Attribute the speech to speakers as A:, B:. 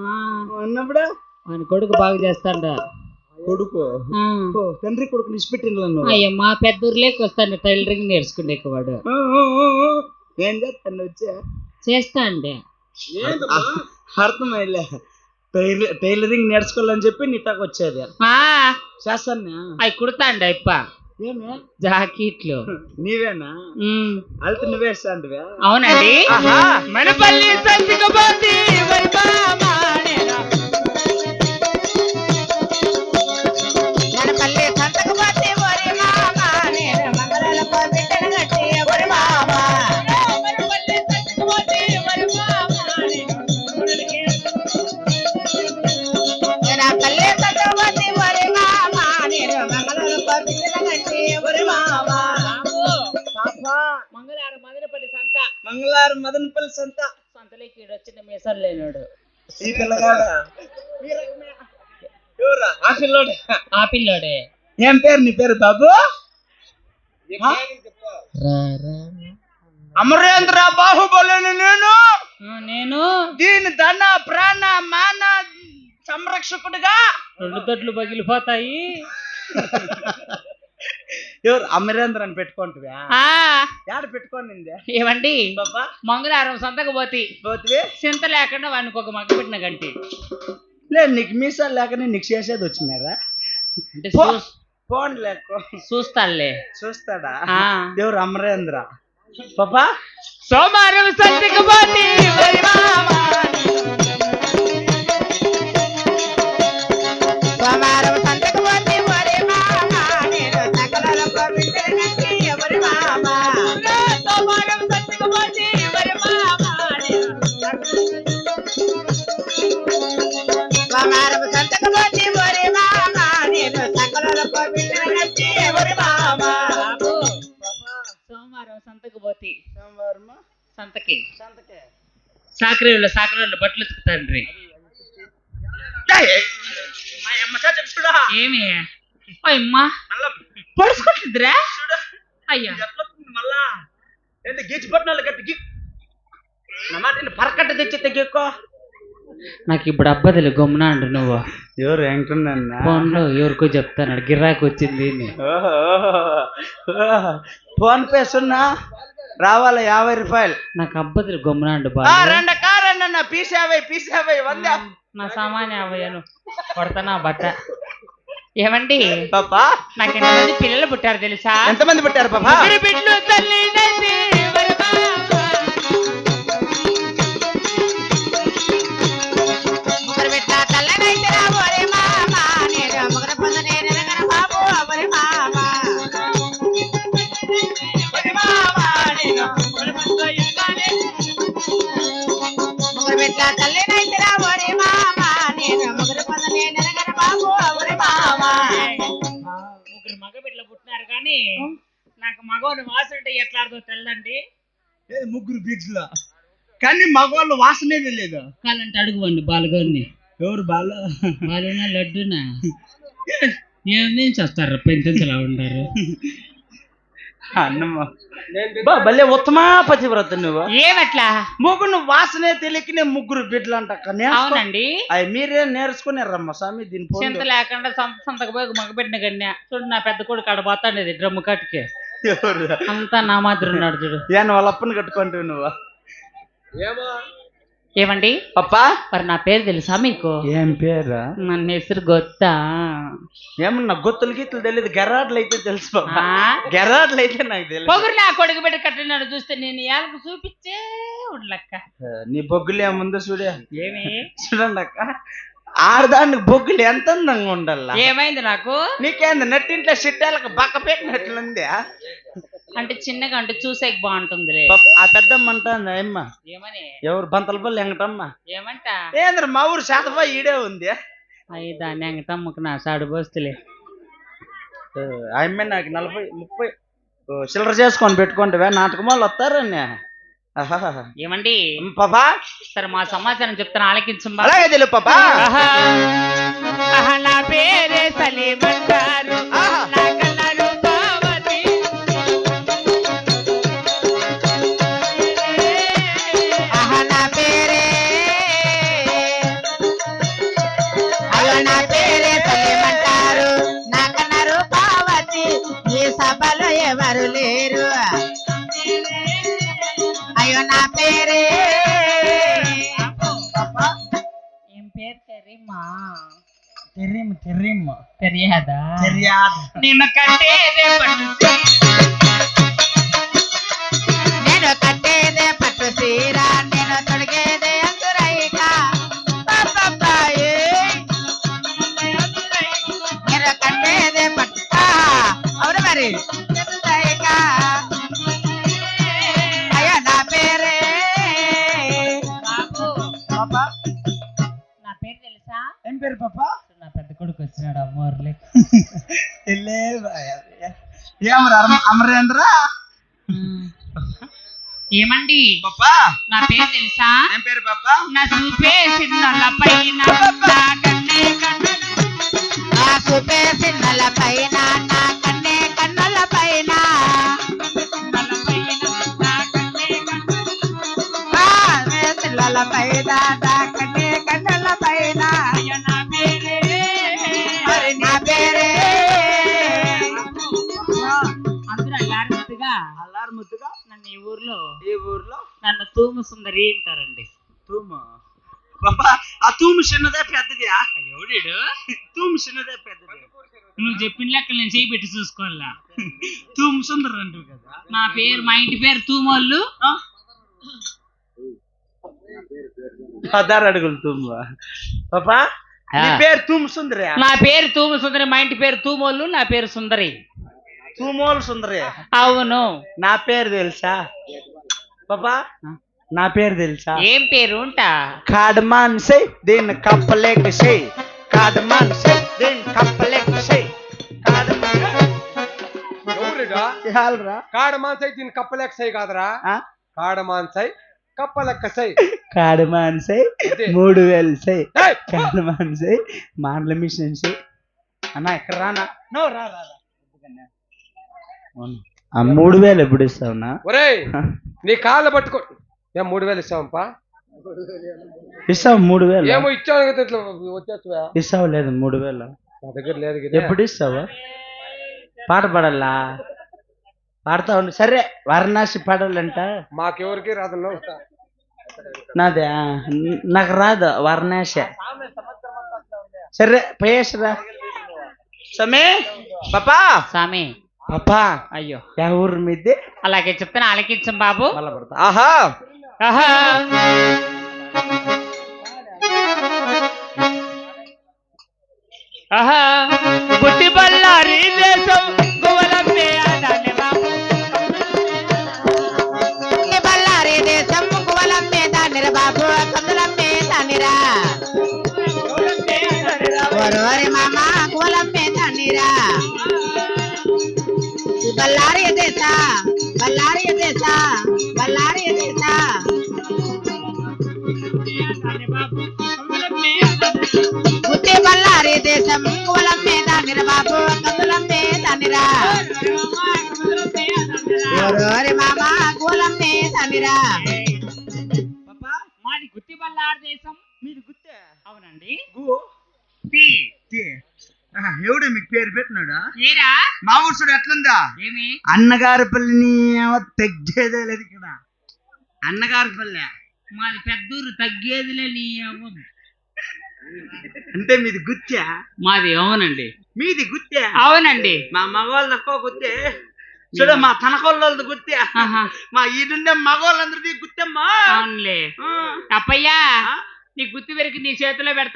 A: అన్నప్పుడు
B: ఆయన కొడుకు బాగా చేస్తాండ.
A: కొడుకు తండ్రి కొడుకు నిష్పెట్టిన
B: అయ్యమ్మా పెద్ద ఊర్లోకి వస్తాండ టైలరింగ్ నేర్చుకునే వాడు.
A: ఏం చేస్తాను వచ్చా
B: చేస్తా అండి.
A: అర్థమైలే టైలరింగ్ నేర్చుకోవాలని చెప్పి నీటాకు వచ్చేది చేస్తాను.
B: అవి కుడతా అండి అప్ప
A: ఏమే
B: జాకెట్లు.
A: నీవేనా అల్తి నువ్వేస్తా అంటివే?
B: అవునండి. మనపల్లి సంతకబోతి
A: మంగళవారం మదనపల్లి సంతలోకి
B: వచ్చిన మీసాలు లేనాడు
A: ఈ పిల్లగాడు.
B: ఆ పిల్లోడే.
A: ఏం పేరు నీ పేరు బాబు? అమరేంద్ర బాహుబలిని నేను దీని ధన ప్రాణ మాన సంరక్షకుడిగా
B: 2 దొడ్లు పగిలిపోతాయి.
A: ఎవరు అమరేంద్ర అని పెట్టుకుంటువా? ఏడ పెట్టుకోనిందే?
B: ఏమండి మంగళవారం సంతకు పోతే చింత లేకుండా వాడికి ఒక మగ్గ పెట్టిన గంటి
A: లేదు. నీకు మీసాలు లేకనే నీకు చేసేది వచ్చినారా?
B: అంటే
A: ఫోన్ లేక చూస్తాడా ఎవరు? అమరేంద్ర పాపా.
B: సోమవారం సంతకు పోతే సంతకి సాకరేళ్ళు బట్టలు ఉతుకుతాండ్రి. ఏమి అమ్మా పొడుచుకుంటుందిరా అయ్యా
A: మళ్ళా గీచి పట్టిన గట్టి పరకట్ట తెచ్చి తెగెక్కో.
B: నాకు ఇప్పుడు అబ్బదిలే గమ్మునా అండు. నువ్వు
A: ఎవరు ఏంటన్నా
B: ఫోన్లో ఎవరికో చెప్తాను గిరాకి వచ్చింది.
A: ఫోన్ పే సున్నా రావాల 50 రూపాయలు.
B: నాకు అబ్బదిలే గమ్మునా అండు.
A: పీసావై
B: నా సామాన్య 50 కొడతానా బట్ట. ఏమండి
A: పాపా
B: నాకు ఎంతమంది పిల్లలు పుట్టారు తెలుసా?
A: ఎంతమంది పుట్టారు పాపా?
B: బిడ్డలు తల్లి మగ బిడ్డలు పుట్టినారు కానీ నాకు మగవాళ్ళు వాసన ఎట్లాడదో తెల్లండి.
A: ముగ్గురు బీచ్లో కానీ మగవాళ్ళు వాసనే లేదు.
B: కాలంటే అడుగువండి బాలుగారిని.
A: ఎవరు
B: బాలునా లడ్డునా ఏం చేస్తారు? పెంచలా ఉంటారు
A: అన్నమ్మ భలే ఉత్తమా పతివ్రత నువ్వు.
B: ఏమట్లా
A: ముగ్గురు వాసనే తెలియకనే ముగ్గురు బిడ్డలు అంట.
B: అవునండి.
A: అవి మీరే నేర్చుకున్నారమ్మ స్వామి. దీని
B: చింత లేకుండా సంతకు పోయి మగ పెట్టిన గన్య చూడు. నా పెద్ద కొడుకు ఆడ పోతాండేది డ్రమ్ము కట్టుకే. అంతా నా మాదిరి ఉన్నాడు చూడు.
A: వాళ్ళ అప్పని కట్టుకుంటావు నువ్వు.
B: ఏమండి
A: అప్పా
B: మరి నా పేరు తెలుసా మీకు?
A: ఏం పేరు?
B: నన్ను హెసరు గొత్తా.
A: ఏమన్నా గొత్తులు గీతులు తెలియదు. గెరాట్లు అయితే తెలుసు బాబా. గెరాట్లు అయితే నాకు తెలియదు.
B: పొగురు నా కొడుకు బిడ్డ కట్టినాడు చూస్తే నేను ఏళ్ళకు చూపించే ఉండలక్క.
A: నీ బొగ్గులు ఏముందో చూడే.
B: ఏమి
A: చూడండి అక్క, ఆడదానికి బొగ్గులు ఎంత అందంగా ఉండాల.
B: ఏమైంది నాకు?
A: నీకేంది నట్టింట్లో సిట్టాలకు బక్క పెట్టినట్లుంది.
B: అంటే చిన్నగా అంటే చూసేకి బాగుంటుంది.
A: ఆ పెద్దమ్మ అంటాంది అమ్మ.
B: ఏమని?
A: ఎవరు బంతలపల్లి ఎంగటమ్మ.
B: ఏమంట?
A: ఏంద్ర మా ఊరు శాతపై ఈడే ఉంది.
B: అయ్యి దాన్ని ఎంగటమ్మకు నా సాడు పోస్తులే.
A: ఆమె నాకు 40-30 చిల్లర చేసుకొని పెట్టుకుంటే నాటకం వాళ్ళు వస్తారని.
B: ఏమండి
A: పాపా
B: సరే మా సమాచారం చెప్తాను ఆలకించం.
A: అలాగే తెలుగు పాపా.
B: నా పేరే సలీమంటారు. పేరు తెరీమా
A: తెరీమ్
B: తెలియదా
A: తెలియాదు
B: నిన్ను కట్టేదే పట్టు నేను కట్టేదే పట్టు సీర నేను తొడిగేదే అంతురైక నేను కట్టేదే పట్టు అవును మరి అంతురైక అయ్యో నా పేరే బాబు
A: పాపా
B: నా పేరు తెలుసా
A: ఏం పేరు పాపా
B: నా పెద్ద కొడుకు వచ్చినాడు అమ్మోర్లే
A: ఏమరా అమరేంద్ర
B: ఏమండి
A: పాపా
B: నా పేరు తెలుసా
A: ఏం పేరు పాపా
B: నా చూపే సిన్నల పైన నా కన్నే కన్నుల నా చూపే సిన్నల పైన నా కన్నే కన్నుల పైన సిల్లల పైన నా కన్నే కన్నుల పైన నా పేరే మరి నా పేరే అందరూ
A: అల్లారు ముద్దుగా
B: నన్ను ఈ ఊర్లో
A: నన్ను
B: తూము సుందరి అంటారండి
A: తూము పాపా ఆ తూము చిన్నదే పెద్దది
B: ఎవడీడు
A: తూము చిన్నదే పెద్దది
B: నువ్వు చెప్పిన లెక్క నేను చేయి పెట్టి చూసుకోవాలా
A: తూము సుందరు అంటారు కదా
B: నా పేరు మా ఇంటి పేరు తూమోళ్ళు
A: 16 అడుగులు తూము పాపా నీ పేరు తూము సుందరి
B: నా పేరు తూము సుందరి మా ఇంటి పేరు తూమోళ్ళు నా పేరు సుందరి
A: తూమోలు సుందరి
B: అవును
A: నా పేరు తెలుసా పాపా నా పేరు తెలుసా
B: ఏం పేరు ఉంటా
A: కాడమాన్ సై దీన్ని కప్పలేక సై కాడమాన్ సై దీన్ని కప్పలేక సై
C: ఎవరురా కాడమాన్సై దీని కప్పలెక్కసై కాదరా కాడమాన్సై కప్పలెక్కసై
A: కాడమాన్ సై 3000 సై కాడమాన్ సై మాండ్ల మిషన్ సై అన్న ఇక్కడ రానా నో రా ఆ 3000 ఎప్పుడు ఇస్తావునా
C: ఒరేయ్ నీ కాళ్ళ పట్టుకో ఏం 3000 ఇస్తావంపా
A: ఇస్తావు 3000
C: ఏమో ఇచ్చావు కదా ఇట్లా వచ్చేస్తావా
A: ఇస్తావు లేదు 3000
C: నా దగ్గర లేదు కదా
A: ఎప్పుడు ఇస్తావు పాట పాడాలా పాడతా ఉండు సరే వారణాసి పాడాలంట
C: మాకెవరికి రాదు
A: నాదే నాకు రాదు వారణాసి సరే పయేసరా సమే పాపా
B: సామి
A: పాపా
B: అయ్యో
A: యా ఊరు మీది
B: అలాగే చెప్తాను ఆలకించం బాబు
A: మళ్ళా పడతా ఆహా
B: ఆహా ఆహా పుట్టి బళ్ళారి దేశం గువలమ్మే దాన్ని బాబు పుట్టి బళ్ళారి దేశం గువలమ్మే దాన్ని బాబు కందులమ్మే దానిరా ఓరోరి మామ గువలమ్మే దానిరా బళ్ళారి దేశ బళ్ళారి దేశ బళ్ళారి దేశ పుట్టి బళ్ళారి దేశం గువలమ్మే దానిర బాబు కందులమ్మే దానిరా ఓరోరి మామ గువలమ్మే దానిరా మాది గుత్తి బళ్ళారి దేశం
A: మీది గుత్తే
B: అవునండి
A: గు
B: టీ
A: ఎవడు మీకు పేరు పెట్టినాడా
B: ఏరా
A: మా ఊరుసుడు ఎట్లుందా
B: ఏమి
A: అన్నగారి పల్లిని తగ్గేదే లేదు ఇక్కడ అన్నగారి పల్లె
B: మాది పెద్దూరు తగ్గేదిలే నీ అవ్వదు
A: అంటే మీది గుత్తే
B: మాది అవునండి
A: మీది గుత్తే
B: అవునండి
A: మా మగవాళ్ళు తక్కువ గుత్తే చూడ మా తనకోళ్ళది గుత్తే మా ఈడుండే మగవాళ్ళందరిది గుత్తమ్మా
B: అవునులే అప్పయ్యా నీ గుత్తి వెరికి నీ చేతిలో పెడతా